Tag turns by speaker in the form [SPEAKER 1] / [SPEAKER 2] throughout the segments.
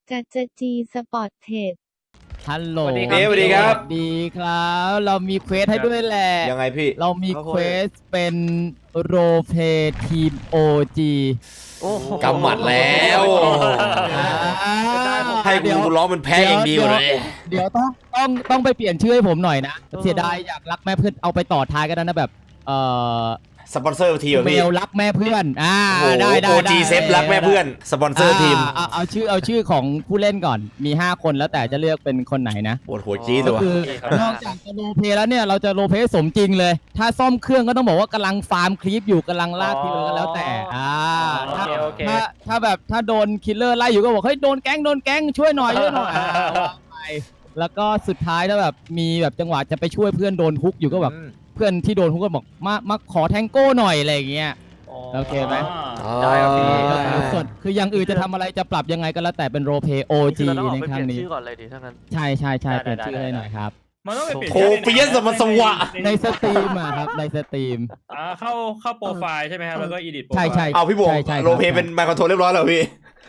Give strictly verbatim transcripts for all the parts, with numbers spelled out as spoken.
[SPEAKER 1] จัจจีสปอร์ตเทรด
[SPEAKER 2] ฮัลโหล
[SPEAKER 3] สวัสดีครับสวัสดีครับ
[SPEAKER 2] สวัสดีครับ เรามีเควสให้ด้วยแหละ
[SPEAKER 3] ยังไงพี่
[SPEAKER 2] เรามีเควสเป็นโรเพทีม โอ จี
[SPEAKER 3] โอ้กำหมัดแล้ว ให้กูร้องมันแพ้อย่างดีกว่าเลย
[SPEAKER 2] เดี๋ยวต้องต้องต้องไปเปลี่ยนชื่อให้ผมหน่อยนะ เสียดายอยากรักแม่เพื่อนเอาไปต่อท้ายกันนะแบบ เอ่อ
[SPEAKER 3] สปอนเซอร์ทีม
[SPEAKER 2] เม
[SPEAKER 3] พี่
[SPEAKER 2] ลรักแม่เพื่อน อ่า
[SPEAKER 3] โอ้โห
[SPEAKER 2] ได้ได้
[SPEAKER 3] โอจีเซฟรักแม่เพื่อน สปอนเซอร์ทีม
[SPEAKER 2] เอาเอาชื่อเอาชื่อของผู้เล่นก่อน มีห้าคนแล้วแต่จะเลือกเป็นคนไหนนะ
[SPEAKER 3] ปวดหัวจี้ตั
[SPEAKER 2] ก็
[SPEAKER 3] ว
[SPEAKER 2] คือนอกจากจะโรลเพลย์แล้วเนี่ยเราจะโรลเพลย์สมจริงเลย ถ้าซ่อมเครื่องก็ต้องบอกว่ากำลังฟาร์มคลิปอยู่กำลังลากคลิปก็แล้วแต่อ่า
[SPEAKER 4] โอเคโอเค
[SPEAKER 2] ถ้าถ้าแบบถ้าโดนคิลเลอร์ไล่อยู่ก็บอกเฮ้ยโดนแก๊งโดนแก๊งช่วยหน่อยช่วยหน่อยอ่าว่าไปแล้วก็สุดท้ายถ้าแบบมีแบบจังหวะจะไปช่วยเพื่อนโดนฮุกอยู่ก็แบบเพื่อนที่โดนฮุกก็บอกมามาขอแทงโก้หน่อยอะไรอย่างเงี้ย โอเคไหม
[SPEAKER 4] ได้ครับพี่
[SPEAKER 3] อ่า
[SPEAKER 2] ส่วนคืออย่างอื่นจะทำอะไรจะปรับยังไงก็แล้วแต่เป็นโรลเพลย์โอจีในครั้งนี้
[SPEAKER 5] ชื่อก่อนเลยดิถ้างั้น
[SPEAKER 2] ใช่ใช่ใช่
[SPEAKER 4] ได้
[SPEAKER 2] เปลี่ยน
[SPEAKER 4] ได้
[SPEAKER 2] ชื่อ
[SPEAKER 4] ได้
[SPEAKER 2] ให้หน่อยครับ
[SPEAKER 4] มันต้องไปเปลี่ยน
[SPEAKER 3] โทเปียสมันสวะ
[SPEAKER 2] ในสตรีมอะครับในสตรีม
[SPEAKER 4] อ่าเข้าเข้าโปรไฟล์ใช่ไหมครับแล้วก็อีดิทโปรไฟ
[SPEAKER 2] ใช่
[SPEAKER 4] ล์
[SPEAKER 2] ใช่
[SPEAKER 3] เอาพี่บวง
[SPEAKER 2] ใช่ใช่ครับ
[SPEAKER 3] โรลเพลย์เป็นไมค์คอนโทรลเรียบร้อยแล้วพี่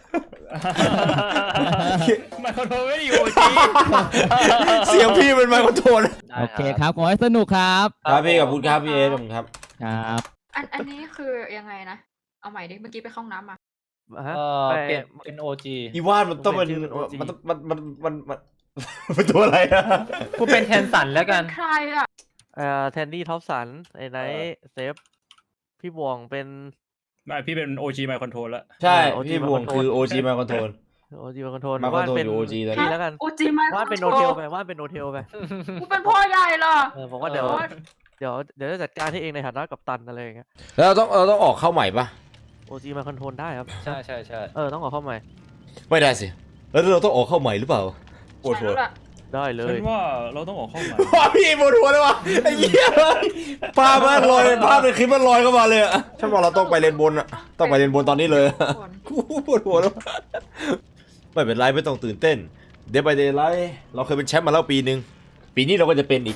[SPEAKER 4] มันคอนโทรลไม่ได้อยู่จี
[SPEAKER 3] เสียงพี่เป็นไมค์คอนโทรล
[SPEAKER 2] โอเคครับขอให้สนุกครับ
[SPEAKER 3] ครับพี่ขอบคุณครับพี่เอขอบคุณครับ
[SPEAKER 2] ครับ
[SPEAKER 6] อันอันนี้คือยังไงนะ เอาใหม่ดิ เมื่อกี้ไปเข้าห้องน้ำมา
[SPEAKER 5] ฮะ
[SPEAKER 4] เออ
[SPEAKER 5] ไป
[SPEAKER 4] เปลี่ยนเป็นโอจี
[SPEAKER 3] อีวานมันต้องเป็น
[SPEAKER 5] ผมเป็นชื่อเป็น โอ จี
[SPEAKER 3] มันต้องมันมันมันมันเป็นตัวอะไรอะ
[SPEAKER 4] กูเป็นแทนสันแล้วกัน
[SPEAKER 6] ใครอ่ะ
[SPEAKER 5] เอ่อแทนดี้ท็อปสันไอ้ไนท์เซฟพี่บวงเป็น
[SPEAKER 4] ไม่พี่เป็นโอจีไมค์คอนโทรลแล้ว
[SPEAKER 3] ใช่
[SPEAKER 5] โอจี
[SPEAKER 3] พี่บวงคือ โอ จี ไมค์คอนโทรล
[SPEAKER 5] โอจีมาคอนโทรล
[SPEAKER 3] มาคอนโทรลอยู่ โอ จี ตอนนี้
[SPEAKER 5] พี่แล้วกัน
[SPEAKER 6] โอจีมา
[SPEAKER 5] ว่าดเป็นโนเทลไปว่าดเป็นโนเทลไป
[SPEAKER 6] กูเป็นพ่อใหญ่เหรอ
[SPEAKER 5] เออผมว่าเดี๋ยว
[SPEAKER 6] โอ๊ย
[SPEAKER 5] เดี๋ยวเดี๋ยวจะจัดการให้เองในฐานะกัปตันอะไรอย่างเงี้ย
[SPEAKER 3] แล้วเราต้องเราต้องออกเข้าใหม่ปะ
[SPEAKER 5] โอจีมาคอนโทรลได้ครับ
[SPEAKER 4] ใช่ใช่ใช่
[SPEAKER 5] เออต้องออกเข้าใหม่
[SPEAKER 3] ไม่ได้สิ แล้วเราต้องออกเข้าใหม่หรือเปล่าปวด
[SPEAKER 6] ใช่
[SPEAKER 3] หัว
[SPEAKER 6] แล้วล่ะ
[SPEAKER 5] ได้เล
[SPEAKER 4] ฉั
[SPEAKER 5] ย
[SPEAKER 4] นว่าเราต้องออกเข้ามา
[SPEAKER 3] ว้าพี่ปวดหัวเลยวะไอ้เหี้ยภาพมันลอยภาพในคลิปมันลอยเข้ามาเลยอะฉันบอกเราต้องไปเลนบนอะต้องไปเลนบนตอนนี้เลย
[SPEAKER 6] คน
[SPEAKER 3] กูปวดหัวแล้ว ไม่เป็นไรไม่ต้องตื่นเต้น เดย์ไปเดย์ไลท์เราเคยเป็นแชมป์มาแล้วปีหนึ่งปีนี้เราก็จะเป็นอีก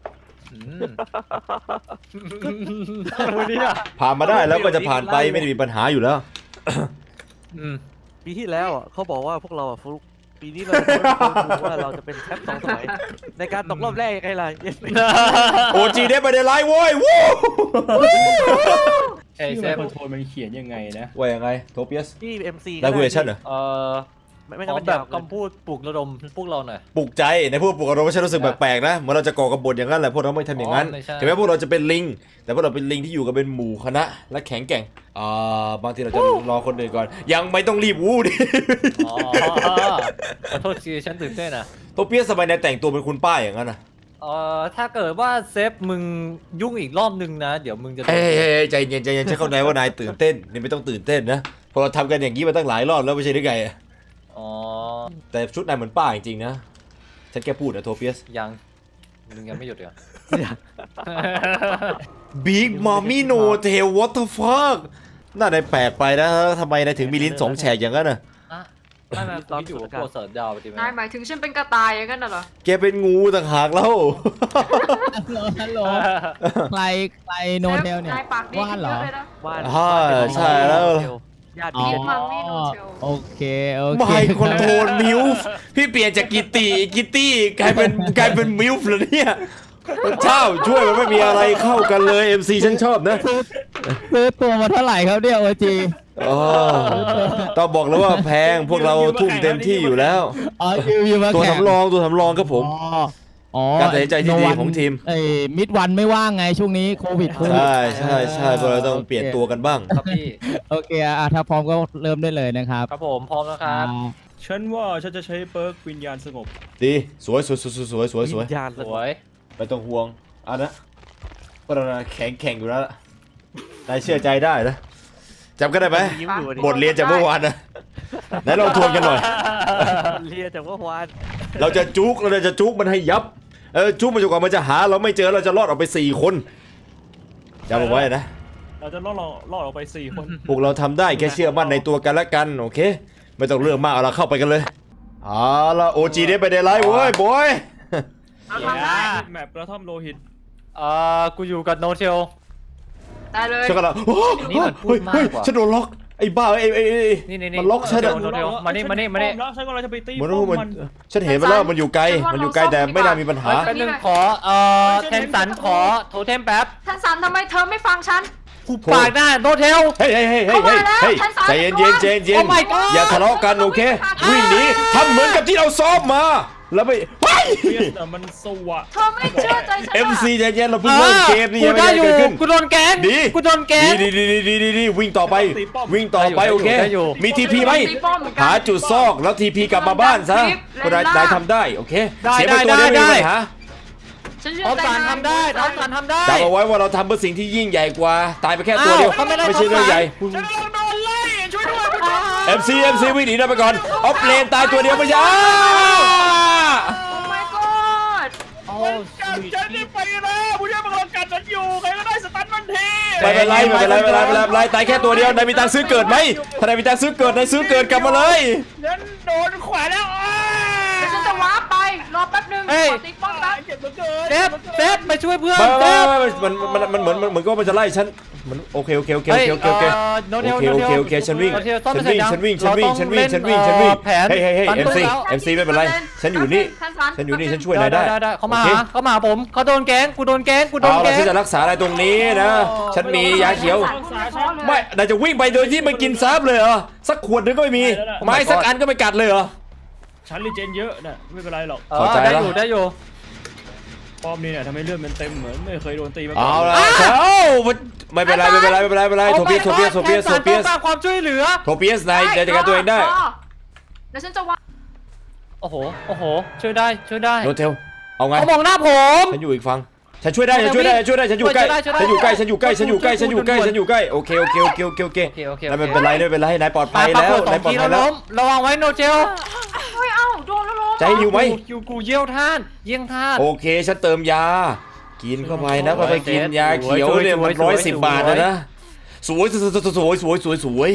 [SPEAKER 4] วันนี้อ่ะ
[SPEAKER 3] ผ่านมาได้แล้วก็จะผ่านไปไม่ได้มีปัญหาอยู่แล้ว
[SPEAKER 5] ปีที่แล้วอ่ะเขาบอกว่าพวกเราอ่ะฟลุกปีนี้เราจะรู้ว่าเราจะเป็นแชมป์สองสมัยในการตกรอบแรกยังไงล่ะ
[SPEAKER 3] โอจีเดย์ไปเดย์ไลท์โว้ยวู้
[SPEAKER 4] ไอ้
[SPEAKER 3] ชื่อ
[SPEAKER 4] เซ
[SPEAKER 3] ไม
[SPEAKER 4] ฟ
[SPEAKER 3] ค์
[SPEAKER 4] คอนโทรลมันเขียนยังไงนะ
[SPEAKER 3] ว่ายังไงโทเปียส
[SPEAKER 5] ที่เอ็มซี
[SPEAKER 3] ได้คุยกับฉันเหรอ
[SPEAKER 4] เออ
[SPEAKER 5] ไม่ไม่
[SPEAKER 4] ข
[SPEAKER 5] งั้
[SPEAKER 4] อน
[SPEAKER 5] มัน
[SPEAKER 4] แบ
[SPEAKER 5] ยา
[SPEAKER 4] บ
[SPEAKER 5] ว
[SPEAKER 4] คำพูดปลุกระดมพวกเราหน่อย
[SPEAKER 3] ปลุกใจในพวกปลุกอารมณ์ฉันรู้สึกแปลกๆนะเหมือนเราจะก่อกบฏอย่างนั้นแหละพวกเราไม่ทำอย่างนั้น
[SPEAKER 4] อ๋อไม่ใช่ ถึ
[SPEAKER 3] ถึงแม้พวกเราจะเป็นลิง แต่พวกเราเป็นลิงที่อยู่กันเป็นหมู่คณะและแข็งแกร่งอ่าบางทีเราจะรอคนอื่นก่อน ยังไม่ต้องรีบวู้ดิ
[SPEAKER 4] อ๋อขอโทษทีฉันตื่นเต้นอ่ะ
[SPEAKER 3] โทเปียสทำไมนายแต่งตัวเป็นคุณป้าอย่างนั้นนะ
[SPEAKER 4] เอ่อถ้าเกิดว่าเซฟมึงยุ่งอีกรอบนึงนะ เดี๋ยวมึงจะ
[SPEAKER 3] เฮ้ยใจเย็นใจเย็นฉันเข้าใจว่านายตื่นเต้นนี่ไม่ต้องตื่นเต้นนะเพราะเราทำกันอย่างนี้มาตั้งหลายรอบแล้วไม่ใช่หรือไง
[SPEAKER 4] อ๋อ
[SPEAKER 3] แต่ชุดนายเหมือนป้าจริงๆนะฉันแค่พูดนะโทเปียส
[SPEAKER 4] ยังมึงยังไม่หยุดเหรอ
[SPEAKER 3] Big Mommy No Tail What the fuck น่านายแปลกไปนะทำไมนายถึงมีลิ้นสองแฉกอย่างนั้นน่ะ
[SPEAKER 4] อ่ะไม่ไม่ผมอยู่กับโปรเสิร์ตดาวไปดีไหม
[SPEAKER 6] นายหมายถึงฉันเป็นกระต่ายอย่างนั้นน่ะเหรอ
[SPEAKER 3] แกเป็นงูต่างหากแล้ว
[SPEAKER 2] ฮัลโหลฮัลโหลใครใครโนเทลเนี่ย
[SPEAKER 6] นายปากดี
[SPEAKER 2] ว่าน
[SPEAKER 6] ขึ้น
[SPEAKER 2] เหร
[SPEAKER 6] เย
[SPEAKER 2] อ
[SPEAKER 6] อะเลยนะ
[SPEAKER 5] ว่าน
[SPEAKER 3] อ่าใช่แล้ว
[SPEAKER 5] ญาติ
[SPEAKER 2] อ๋อ
[SPEAKER 5] พี่
[SPEAKER 6] มัมมี่โนเทล
[SPEAKER 2] โอเคโอเค
[SPEAKER 3] ไม่คอนโทรลมิวฟ์พี่เปลี่ยนจากกิตตี้กิตตี้กลายเป็นกลายเป็นมิวฟ์เลยเนี่ยเช่าช่วยมันไม่มีอะไรเข้ากันเลย เอ็ม ซี ฉันชอบนะ
[SPEAKER 2] ซื้อตัวมาเท่าไหร่ครับเนี่ยโอจี
[SPEAKER 3] อ๋อต้องบอกเลยว่าแพงพวกเราทุ่มเต็มที่อยู่แล้ว
[SPEAKER 2] อ๋อยูยูมา
[SPEAKER 3] ตัว
[SPEAKER 2] แข่ง
[SPEAKER 3] สำรองตัวสำรองครับผม
[SPEAKER 2] อ๋ออ๋อ
[SPEAKER 3] การตัดสินใจที่ดีของทีม
[SPEAKER 2] ไอ้มิดวันไม่ว่างไงช่วงนี้โควิดโควิด
[SPEAKER 3] ใช่ใช่ใช่พวกเราต้องเปลี่ยนตัวกันบ้าง
[SPEAKER 4] ครับพี่
[SPEAKER 2] โอเคอ่ะถ้าพร้อมก็เริ่มได้เลยนะครับ
[SPEAKER 4] ครับผมพร้อมแล้วครับ
[SPEAKER 2] อ่า
[SPEAKER 4] ฉันว่าฉันจะใช้เปิร์กวิญญาณสงบ
[SPEAKER 3] ดีสวยสวยสวยสวยสวยสวย
[SPEAKER 5] วิญญาณ
[SPEAKER 4] สวย
[SPEAKER 3] ไม่ต้องห่วงอันนะพวกเราน่ะแข็งแข็งอยู่แล้วล่ะนายเชื่อใจได้นะจำกันได้ไหม
[SPEAKER 5] ยิ้มอยู่ดิ
[SPEAKER 3] บทเรียนจากเมื่อวานนะไหนลองทวนกันหน่อย
[SPEAKER 5] เรียนจากว่าวาน
[SPEAKER 3] เราจะจุกเราจะจุกมันให้ยับเออจุกมันจนกว่ามันจะหาเราไม่เจอเราจะรอดออกไปสี่คนจำเอาไว้นะ
[SPEAKER 4] เราจะล่อเราล่อออกไปสี่คน
[SPEAKER 3] พวกเราทำได้แค่เชื่อมั่นในตัวกันและกันโอเคไม่ต้องเรื่องมากเอาเราเข้าไปกันเลยเอาละโอจีได้ไปได้ไลฟ์เว้ยบอย
[SPEAKER 6] เราทำได้
[SPEAKER 4] แมปกระท่อมโลหิตเอ่อกูอยู่กับโนเทล
[SPEAKER 6] ได้เลย
[SPEAKER 3] ฉันกำลังโอ้
[SPEAKER 4] นี่มันพูดมากกว่า
[SPEAKER 3] เฮ้ยฉันโดนล็อกไอ้บ้าไอ้ไอ้ไอ้
[SPEAKER 4] นี่นี่นี่
[SPEAKER 3] มันล็อกฉันอะ
[SPEAKER 4] โดเทลมานี่มานี่มานี่
[SPEAKER 7] แล้วฉันกำลังจะไปตี
[SPEAKER 3] เหมือน
[SPEAKER 7] ป้อ
[SPEAKER 3] ว่าม มัน
[SPEAKER 7] มัน
[SPEAKER 3] ฉันเห็นมันแล้วมันอยู่ไกลมันอยู่ไกลแต่ไม่น่ามีปัญหา
[SPEAKER 4] เฮ้ยแป๊บนึงขอเอ่อเทมสันขอโทเทมแป๊บ
[SPEAKER 6] ท่านสันทำไมเธอไม่ฟังฉัน
[SPEAKER 4] ผูปากหน้าโดเทล
[SPEAKER 3] เฮ้ยเฮ้ยเฮ้ยเฮ้ยเฮ้ยเฮ้ยใจเย็นเย็นใจเย็น
[SPEAKER 4] Oh my god
[SPEAKER 3] อย่าทะเลาะกันโอเควิ่งหนีทำเหมือนกับที่เราซ้อมมาแล้วไปเฮ้ย
[SPEAKER 7] เพียแต่มันสวะ
[SPEAKER 6] เธอไม่เชื่อใจฉัน
[SPEAKER 3] เอ็ม
[SPEAKER 6] หรอ
[SPEAKER 3] ซีใจเย็นเราเพิ่งเริ่มเกมนี่
[SPEAKER 4] กู
[SPEAKER 3] ยังไม่
[SPEAKER 4] ได้
[SPEAKER 3] ได้
[SPEAKER 4] อยู่
[SPEAKER 3] เกิดขึ้น
[SPEAKER 4] กูโดนแกง
[SPEAKER 3] ดี
[SPEAKER 4] กูโดนแกง
[SPEAKER 3] ดีดีดีดีดีดีวิ่งต่อไป วิ่งต่อไป
[SPEAKER 4] ได้อยู่
[SPEAKER 3] โอเค
[SPEAKER 4] ได้อยู่
[SPEAKER 3] มีทีพีไหม
[SPEAKER 6] ตีป้อมเหมือนกัน
[SPEAKER 3] หาจุดซอกแล้วทีพีกลับมาบ้านซะ
[SPEAKER 6] ได้
[SPEAKER 3] ก็ได้
[SPEAKER 6] ได้
[SPEAKER 3] ได้ทำได้โอเค
[SPEAKER 4] ได้
[SPEAKER 3] เสียไปตัว
[SPEAKER 4] ได้
[SPEAKER 3] เดียวไม่
[SPEAKER 4] ได้
[SPEAKER 3] มีปัญหา
[SPEAKER 6] ฉันเชื่
[SPEAKER 4] ท็อ
[SPEAKER 6] อ
[SPEAKER 4] ป
[SPEAKER 6] ใจ
[SPEAKER 4] สารทำได้ท็อปสารทำได้
[SPEAKER 3] จำเอาไว้ว่าเราทำเพื่อสิ่งที่ยิ่งใหญ่กว่าตายไปแค่ตัวเดียว
[SPEAKER 4] อ้าวเขาไม่ได้
[SPEAKER 3] ไม่ใช่เรื่องใหญ่
[SPEAKER 7] ฉันกำลังโดนไล่ช่วยด้วยผู้ชม
[SPEAKER 3] เอ็มซีเอ็มซีวิ่งหนีได้ไปก่อนออฟเลนตายตัวเดียวไม่ใช่อ้า
[SPEAKER 6] โอ้ my god
[SPEAKER 4] โอ้
[SPEAKER 7] จับฉันนี่ไปแล้วผู้ชมกำลังกัดฉันอยู่ใครก็ได้สตันมันที
[SPEAKER 3] ไม่เป็นไรไม่เป็นไรไม่เป็นไรไม่เป็นไรไม่เป็นไรตายแค่ตัวเดียวนายมีตังค์ซื้อเกิดไหมถ้านายมีตังค์ซื้อเกิดนายซื้อเกิดกลับมาเลย
[SPEAKER 7] ฉันโดนขวาแล้วอ้า
[SPEAKER 6] เดี๋ยวฉันจะวาร์ปไป รอแป๊บนึงขอตีป้อมแป๊บ
[SPEAKER 7] เจ็บเหลือเกิน
[SPEAKER 4] เซฟเซฟไปช่วยเพื่อน
[SPEAKER 3] ไม่
[SPEAKER 4] เซ
[SPEAKER 3] ไม่
[SPEAKER 4] ฟ
[SPEAKER 3] ไม่มันมันมันมันเหมือนมันเหมือนก็มันจะไล่ฉันมันโอเคโอเคโอเคโอเคโอเคโอเค
[SPEAKER 4] โน
[SPEAKER 3] โอ
[SPEAKER 4] เทล
[SPEAKER 3] เค
[SPEAKER 4] โน
[SPEAKER 3] โอ
[SPEAKER 4] เท
[SPEAKER 3] เค
[SPEAKER 4] ล
[SPEAKER 3] โอเคฉันวิ่ง
[SPEAKER 4] โนเทลต้
[SPEAKER 3] ฉั
[SPEAKER 4] น
[SPEAKER 3] นวิ่ง
[SPEAKER 4] ไม่ใช่
[SPEAKER 3] ฉันวิ่งฉัน
[SPEAKER 4] เรา
[SPEAKER 3] วิ่ง
[SPEAKER 4] ต้อง
[SPEAKER 3] ฉันวิ่ง
[SPEAKER 4] เล่น
[SPEAKER 3] ฉันวิ่งฉันวิ่ง
[SPEAKER 4] แผน
[SPEAKER 3] เฮ้ยเฮ้ยเฮ้ย
[SPEAKER 4] ตัน
[SPEAKER 3] เอ็มซี
[SPEAKER 4] แล้ว
[SPEAKER 3] เอ็มซีไม่เป็นไรฉันอยู่นี่
[SPEAKER 6] ท่านสัน
[SPEAKER 3] ฉันอยู่นี่ฉันช่วยนายได้
[SPEAKER 4] ได้เขามา
[SPEAKER 3] โอเค
[SPEAKER 4] หาเขามาหาผมเขาโดนแกงกูโดนแกงกูโดน
[SPEAKER 3] เอา
[SPEAKER 4] แก
[SPEAKER 3] ล่ะ
[SPEAKER 4] ง
[SPEAKER 3] ฉันจะรักษาอะไรตรงนี้นะฉันมียาเขียว ไม่นายจะวิ่งไปโดยที่ไม่กินซับเลยเหรอสักขวดนึงก็ไม่มีไม้สักอันก็ไม่กัดเลยเหรอ
[SPEAKER 7] ฉันรีเจนเยอะนะไม่เป็นไรหรอก
[SPEAKER 4] เออ
[SPEAKER 3] เข้าใจ
[SPEAKER 4] ได้
[SPEAKER 3] แล้ว
[SPEAKER 4] อยู่ได้อยู่
[SPEAKER 7] ป้อมนี่เนี่ยทำให้เลือดมันเต็มเหมือนไม่เคยโดนตีมาก่
[SPEAKER 3] เอา
[SPEAKER 7] อน
[SPEAKER 3] ละเอ้าไม่เป็นไรไม่เป็นไรไม่เป็นไรไม่เป็นไรโทเปียสโทเปียสโทเปียสโทเปียส
[SPEAKER 4] แทนสารต้องการความช่วยเหลือ
[SPEAKER 3] โทเปียสนายจะจัดการตัวเองได้
[SPEAKER 6] เดี๋ยวฉันจะวาร์ป
[SPEAKER 4] โอ้โหโอ้โหช่วยได้ช่วยได้
[SPEAKER 3] โนเทลเอาไง
[SPEAKER 4] เขามองหน้าผม
[SPEAKER 3] ฉันอยู่อีกฝั่งฉันช่วยได้ฉันช่วยได้ฉันช่วยได้ฉันอยู่ใกล้
[SPEAKER 4] ช่วยได้
[SPEAKER 3] ฉันอยู่ใกล้ฉัน
[SPEAKER 4] ช่
[SPEAKER 3] อ
[SPEAKER 4] วยได้
[SPEAKER 3] ยู่ใกล้ฉันอยู่ใกล้ฉันอยู่ใกล้ฉันอยู่ใกล้โอเคโอเคโอเคโอเคโอเค
[SPEAKER 4] โอเคโอเค
[SPEAKER 3] ไม่เป็นไรไม่เป็นไรนายปลอดภั
[SPEAKER 4] ปาย ปา
[SPEAKER 3] แล้ว
[SPEAKER 4] เปิดสอน
[SPEAKER 3] าย
[SPEAKER 4] ง
[SPEAKER 3] ปลอด
[SPEAKER 4] ที
[SPEAKER 3] ภั
[SPEAKER 4] แล้
[SPEAKER 3] ยว แล้ว
[SPEAKER 4] ล้มระวังไว้โนเจล
[SPEAKER 6] เฮ้ย เอ้า โดนแล้วล้ม
[SPEAKER 3] จะให้อยู่ไหม
[SPEAKER 4] กูกูเยี่ยวท่านเยี่ยงท่าน
[SPEAKER 3] โอเคฉันเติมยา กินเข้าไปนะ
[SPEAKER 4] สวย
[SPEAKER 3] ค่อยๆกินยาเขียวเนี่ย
[SPEAKER 4] สวย
[SPEAKER 3] มัน
[SPEAKER 4] สวย
[SPEAKER 3] ร้อย
[SPEAKER 4] ส
[SPEAKER 3] สิบ
[SPEAKER 4] วย
[SPEAKER 3] บาทนะนะสวยสวยสวยสวยสวยสวย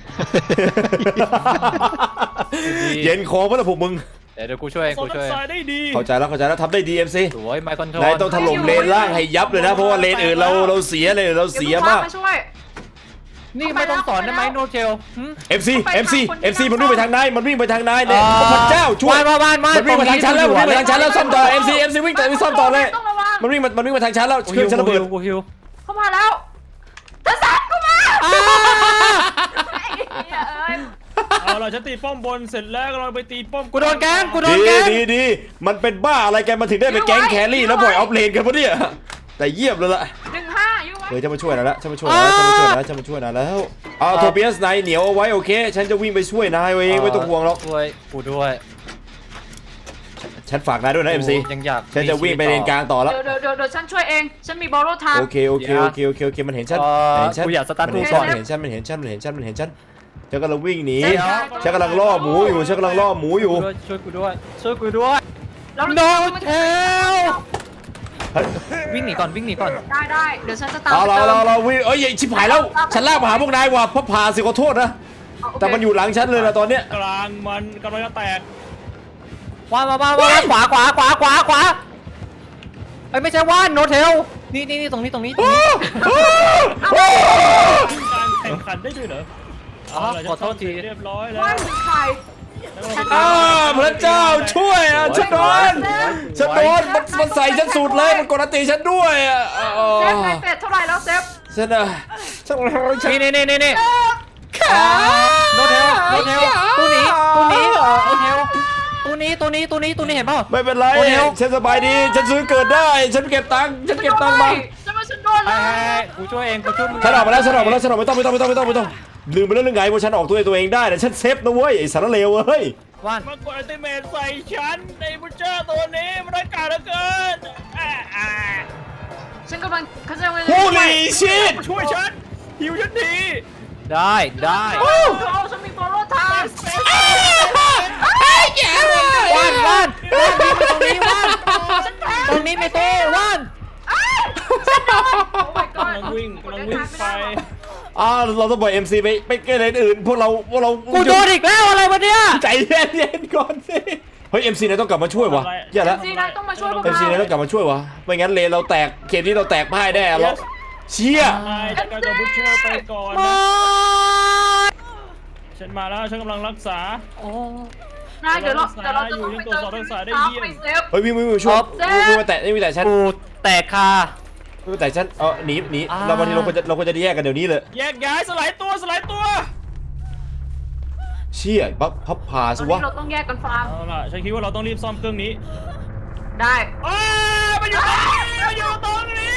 [SPEAKER 3] เย็นคอเมื่อไหร่พวกมึง
[SPEAKER 4] เดี๋ยวเดี๋ยวกูช่วย
[SPEAKER 7] โซ
[SPEAKER 4] กู
[SPEAKER 7] น
[SPEAKER 4] ช่วย
[SPEAKER 7] ทรายได้ดี
[SPEAKER 3] เข้าใจแล้วเข้าใจแล้วทำได้ดีเอ็มซี
[SPEAKER 4] สวยไมค์คอนโทรล
[SPEAKER 3] นายต้องถล่มเลนล่างให้ยับเลยนะเพราะว่าเลนอื่นเราเราเสียเลยเราเสียมาก
[SPEAKER 6] มาช่วย
[SPEAKER 4] นี่ไม่ต้องสอนได้ไหมโนเจล
[SPEAKER 3] เอ็มซีเอ็มซีเอ็มซีมันวิ่งไปทางนายมันวิ่งไปทางนาย
[SPEAKER 4] เอ
[SPEAKER 3] เนี่ย
[SPEAKER 4] อ
[SPEAKER 3] พระเจ้าช่วย
[SPEAKER 4] บ้านบ้านบ้าน
[SPEAKER 3] มันวิ่งมาทางฉันแล้วมันวิ่งมาทางฉันแล้วซ่อมต่อเอ็มซีเอ็มซีวิ่งต่อวิ่งซ่อมต่อเลย
[SPEAKER 6] ต้องระวัง
[SPEAKER 3] มันวิ่งมามันวิ่งมาทางฉันแล้วเครื่องฉันระเบิด
[SPEAKER 4] กูฮิว
[SPEAKER 6] เข้ามาแล้วท่านสันเข้ามา
[SPEAKER 4] อ่า
[SPEAKER 6] ไอ้เหี้ยเอ้ย
[SPEAKER 7] เอาล่ะฉันตีป้อมบนเสร็จแล้วเราไปตีป้อม
[SPEAKER 4] กูโดนแกงกูโดน
[SPEAKER 3] ดี
[SPEAKER 4] แกง
[SPEAKER 3] ดีดีมันเป็นบ้าอะไรกันมันถึงได้ไปแก๊งแครี่แล้วปล่อยออฟเลนกันปะเนี่ยแต่เยี่ยมเลยล่ะ
[SPEAKER 6] หนึ่งห้าอยู่ไหม
[SPEAKER 3] เฮ้ยจะมาช่วยนายแล้วจะมาช่วยนายแล้วจะมาช่วยนายแล้วจะมาช่วยนายแล้วเอาโทเปียสนายเหนียวเอาไว้โอเค ฉันจะวิ่งไปช่วยนายเองไม่ต้องห่วงหรอก
[SPEAKER 4] ช่วยกูด้วย
[SPEAKER 3] ฉันฝากนายด้วยนะเอ็มซี
[SPEAKER 4] ยังอยาก
[SPEAKER 3] ฉันจะวิ่งไปเลนกลางต่อแล้ว
[SPEAKER 6] เดี๋ยวเดี๋ยวเดี๋ยวเดี๋ยวฉันช่วยเอง ฉันมีบอลโลไทม์
[SPEAKER 3] โอเคโอเคโอเคโอเคโอเคมันเห็นฉัน
[SPEAKER 4] เอ่อ
[SPEAKER 3] มันเห็นฉัน
[SPEAKER 4] กูอยากสตาร์ท
[SPEAKER 3] มันเห็น
[SPEAKER 4] ทูก่
[SPEAKER 3] ฉั
[SPEAKER 4] อน
[SPEAKER 3] นมันเห็นฉันมันเห็นฉันมันเห็นฉันมันเห็นฉันฉันกำลังวิ่งหนี
[SPEAKER 6] เดี๋ยว
[SPEAKER 3] ฉันกำลังล่อหมูอยู่ฉันกำลังล่อหมูอยู่
[SPEAKER 4] ช่วยกูด้วยช่วยกูด้วย
[SPEAKER 6] เรา
[SPEAKER 4] โนเทลวิ่งหนีก่อนวิ่งหนีก่อน
[SPEAKER 6] ได้ได้เดี๋ยวฉันจะตาม
[SPEAKER 3] เอาเรา
[SPEAKER 6] ไปติม
[SPEAKER 3] เราเราวิ่งเอ้ยชิบหายแล้วฉันลากมาหาพวกนายว่ะเพราะผ่าสิขอโทษนะ
[SPEAKER 6] เอาโเค
[SPEAKER 3] แต่มันอยู่หลังฉันเลยนะตอนเนี้ย
[SPEAKER 7] กลางมันกำลังจะแตก
[SPEAKER 4] ว่านมาบ้านมาขวาขวาขวาขวาขวาไอ้ไม่ใช่ว่านโนเทลนี่นี่นี่ตรงนี้ตรงนี้ตรงนี้
[SPEAKER 7] การแข่งขันได้ด้วยเหรอ
[SPEAKER 4] อ๋อ
[SPEAKER 7] เาล่ะ
[SPEAKER 4] ขอโทษที
[SPEAKER 7] เรียบร้อยแล้ว
[SPEAKER 6] ว่าถึงใคร
[SPEAKER 3] อ้าพระเจ้าช่วยอ่ะฉันโดนฉันโดนมันมันใส่ฉันสุดเลยมันกดอันตีฉันด้วยอ่ะอ๋อ
[SPEAKER 6] เซฟในเป็ดเท่าไหร่แล้วเซฟ
[SPEAKER 3] ฉันอ่ะฉันฉัน
[SPEAKER 4] นี่นี่นี่นี่นี่โนเทลโนเทลตัวนี้ตัวนี้โนเทลตัวนี้ตัวนี้ตัวนี้ตัวนี้เห็นเปล่า
[SPEAKER 3] ไม่เป็นไร
[SPEAKER 4] โอ้เดี๋ยว
[SPEAKER 3] ฉันสบายดีฉันซื้อเกิดได้ฉันเก็บตังค์ฉันเก็บตังค์มา
[SPEAKER 6] จะมาฉันโดน
[SPEAKER 4] ไอ้
[SPEAKER 6] แล้ว
[SPEAKER 4] กูช่วยเองกูช่วยมึง
[SPEAKER 3] ฉันออกมาแล้วฉันออกมาแล้วฉันออกไม่ต้องไม่ต้องไม่ต้องไม่ต้องไม่ต้องลืมไปแล้วเรื่องไงว่าฉันออกตัวตัวเองได้แต่ฉันเซฟนะเว้ยไอ้สารเลวเว้ย
[SPEAKER 4] ว่าน
[SPEAKER 7] มากดอัลติเมทใส่ฉันในบูเจอร์ตัวนี้มันร้ายกาจเหลือเกินอ่าอ่า
[SPEAKER 6] ฉันกำลังเขาจะมา
[SPEAKER 3] ฮูลีชิต
[SPEAKER 7] ช่วยฉันหิวฉันที
[SPEAKER 4] ได้ได้
[SPEAKER 6] โอ้ฉันมีบอลโลไทม์
[SPEAKER 4] ว่านว่านว่านวิ่งไปตรงนี้ว่านตรงนี้ไม่โตว่าน
[SPEAKER 6] โอ้ my god
[SPEAKER 7] กำลังวิ่งกำลังวิ่งไป
[SPEAKER 3] อ่าเราต้องปล่อย เอ็ม ซี ไปไปเกมอื่นพวกเราพวกเรา
[SPEAKER 4] กูโดนอีกแล้วอะไรวะเนี่ย
[SPEAKER 3] ใจเย็นๆก่อนสิเฮ้ย เอ็ม ซี นายต้องกลับมาช่วยวะอย่าละ
[SPEAKER 6] ซีนายต้องมาช่วยพวก
[SPEAKER 3] เอ็ม
[SPEAKER 6] เรา
[SPEAKER 3] ซี นายต้องกลับมาช่วยวะไม่งั้นเลนเราแตกเกมนี้เราแตกพ่ายแน่เราเชี่ย
[SPEAKER 7] นายจัดการกับบูเชอร์ไปก่อน
[SPEAKER 4] มา
[SPEAKER 7] นะฉันมาแล้วฉันกำลังรักษา
[SPEAKER 4] โอ้
[SPEAKER 6] นายเดี๋ยวเราเดี๋ยวเราจะ
[SPEAKER 7] อยู่
[SPEAKER 6] ต้อง
[SPEAKER 7] ใน
[SPEAKER 6] ไป
[SPEAKER 7] ตัว
[SPEAKER 6] เติม
[SPEAKER 7] สอดรักษาได้
[SPEAKER 6] น้ำ
[SPEAKER 7] เยี่ยม
[SPEAKER 6] ไปเซฟ
[SPEAKER 3] เฮ้ยวิ่งวิ่งวิ่งช่วย
[SPEAKER 6] เจ๊
[SPEAKER 3] วิ่งวิ่งมาแตะวิ่งมาแตะฉัน
[SPEAKER 4] กูแตกคา
[SPEAKER 3] วิ่งมาแตะฉันเออหนีหนี
[SPEAKER 4] อ่า
[SPEAKER 3] เราวันนี้เราควรจะเราควรจะแยกกันเดี๋ยวนี้เลย
[SPEAKER 7] แยกย้ายสลายตัวสลายตัว
[SPEAKER 3] เชี่ยบัฟพับพา
[SPEAKER 6] ต
[SPEAKER 3] สิ
[SPEAKER 6] อน
[SPEAKER 3] วะ
[SPEAKER 6] นี้เราต้องแยกกันฟาร์ม
[SPEAKER 7] เอาล่ะฉันคิดว่าเราต้องรีบซ่อมเครื่องนี้
[SPEAKER 6] ได้
[SPEAKER 7] อ้าวมันอยู่ตรงนี้มันอยู่ตรงนี้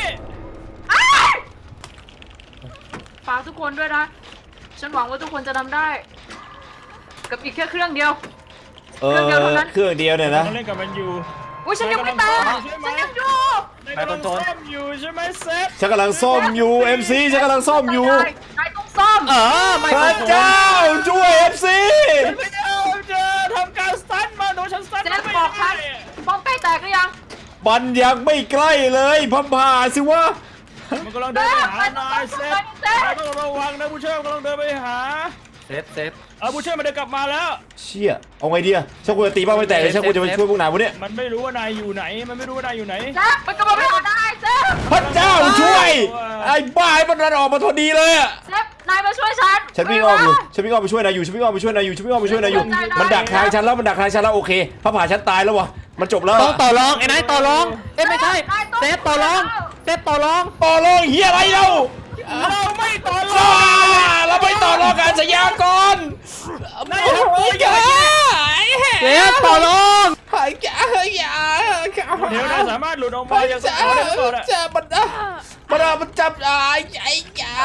[SPEAKER 6] ฝากทุกคนด้วยนะ ฉันหวังว่าทุกคนจะทำได้ กับอีกแค่เครื่องเดียว
[SPEAKER 3] เออ
[SPEAKER 6] เครื่องเดียวเท่านั้น
[SPEAKER 3] เครื่องเดียวเนี่ยนะ
[SPEAKER 7] ต้องเล่นกับมันอยู่
[SPEAKER 6] อุ้ยฉันยังไม่ตายฉันยังอยู่
[SPEAKER 7] นายกำลังซ่อมอยู่ใช่ไหมเซฟ
[SPEAKER 3] ฉันกำลังซ่อมอยู่ เอ็ม ซี ฉันกำลังซ่อมอยู่
[SPEAKER 6] นายต้องซ่อม
[SPEAKER 4] เออไม่
[SPEAKER 3] พระเจ้าช่วย เอ็ม ซี
[SPEAKER 7] ฉันไม่เอาจะทำการสตันมาโดนฉันสตัน
[SPEAKER 6] เจ๊
[SPEAKER 7] ไม่
[SPEAKER 6] บอกฉั
[SPEAKER 7] ได้
[SPEAKER 6] นป้องใกล้แตกหรือยัง
[SPEAKER 3] มันยังไม่ใกล้เลยพับพาสิวะ
[SPEAKER 7] มันกำลังเดินไปหานายเซฟนายต้องระวังนะผู้เชี่ยวกำลังเดินไปหา
[SPEAKER 4] เซฟเซฟ
[SPEAKER 7] เอาผู้เชี่ยวมันเดินกลับมาแล้ว
[SPEAKER 3] เชี่ยเอาไงดีอะฉันควรจะตีบ้างไม่แตกเลยฉันควรจะไปช่วยพวกนายวะเนี่ย
[SPEAKER 7] มันไม่รู้ว่านายอยู่ไหน มันไม่รู้ว่านายอยู่ไหน
[SPEAKER 6] แจ๊บมันกำลังไปหานายเซฟ
[SPEAKER 3] พระเจ้าช่วย ไอ้บ้าไอ้มันรันออกมาทนดีเลยอะ
[SPEAKER 6] เซฟนายมาช่วยฉัน
[SPEAKER 3] ฉันวิ่งอ้อมอยู่ฉันวิ่งอ้อมไปช่วยนายอยู่ฉันวิ่งอ้อมไปช่วยนายอยู่ฉันวิ่งอ้อมไปช่วยนายอยู่มันดักทางฉันแล้วมันดักทางฉันแล้วโอเคพระผ่าฉันตายแล้ววะมันจบแล้ว
[SPEAKER 4] ต้องต่อรองไอ้นายต่อรองเอ้ยไม่ใช่เซฟต่อรองเซฟต่อรอง
[SPEAKER 3] ต่อรองเฮียอะไรเรา
[SPEAKER 7] เราไม่ต่อร
[SPEAKER 3] อ่า
[SPEAKER 7] อง
[SPEAKER 3] เราไม่ต่อรองการสัญญาก่อน
[SPEAKER 7] นายทำตัวอย่างนี้
[SPEAKER 4] เซฟต่อรอง
[SPEAKER 3] หายแกหายยา
[SPEAKER 7] เดี๋ยวนายสามารถหลุดออกมาจากส
[SPEAKER 3] จะ
[SPEAKER 7] ถานได้ก่อนอะ
[SPEAKER 3] จะมันอ่ะมันอ่ะมันจับไอ้ไอ้ยา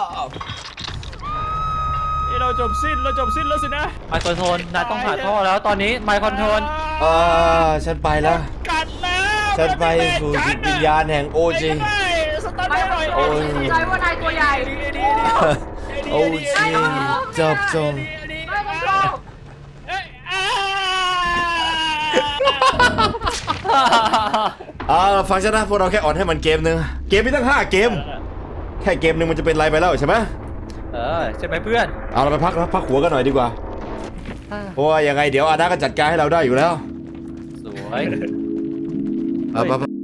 [SPEAKER 7] นี่เราจบสิ้นเราจบสิ้นแล้วสินะ
[SPEAKER 4] ไมค์คอนโทรลนายต้องหาท่อแล้วตอนนี้ไมค์คอนโทรล
[SPEAKER 3] อ่าฉันไปแล้ว
[SPEAKER 7] กัดแล้ว
[SPEAKER 3] ฉันไปสู่จิตวิญญาณแห่งโอจี
[SPEAKER 7] สตาร์ท
[SPEAKER 6] ไม่
[SPEAKER 7] หน่อย
[SPEAKER 3] โอ้ย
[SPEAKER 6] ใจว่านายตัวใหญ่
[SPEAKER 3] โอจีจบจง
[SPEAKER 6] นายต้องซ่อม
[SPEAKER 3] อ่าฟังฉันนะพวกเราแค่อ่อนให้มันเกมหนึ่งเกมมีตั้งห้าเกม แค่เกมหนึ่งมันจะเป็นไรไปแล้วใช่ไหม
[SPEAKER 4] เออใช่ไหมเพื่อน
[SPEAKER 3] เอาเราไปพักนะพักหัวกันหน่อยดีกว่า เพราะว่ายังไงเดี๋ยวอาดาก็จัดการให้เราได้อยู่แล้ว
[SPEAKER 4] สวย
[SPEAKER 3] เอาไป